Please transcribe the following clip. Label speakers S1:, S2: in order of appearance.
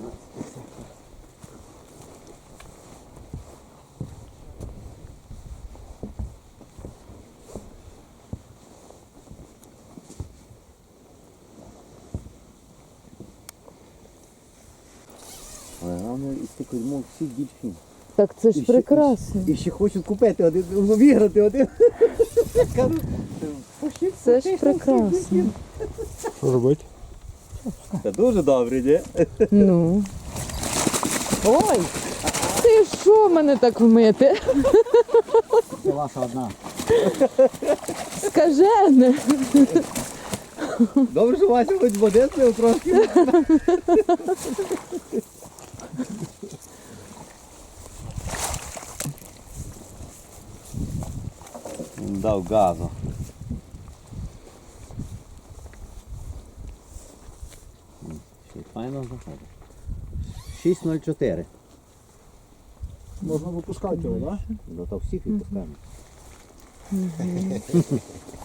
S1: Головне, із тих кузьмов всі більші.
S2: Так це ж прекрасно.
S1: І ще хочуть купити один, виграти один.
S2: Це ж прекрасно.
S3: Що робити?
S1: Це дуже добре, ні?
S2: Ну. Ой! Ти що мене так вмити?
S1: Це ваша одна.
S2: Скажене.
S1: Добре, що Вася хоч води слив трошки. Дав газу. 6,04.
S3: Можна випускати його, так?
S1: Ну то всіх відпускаємо.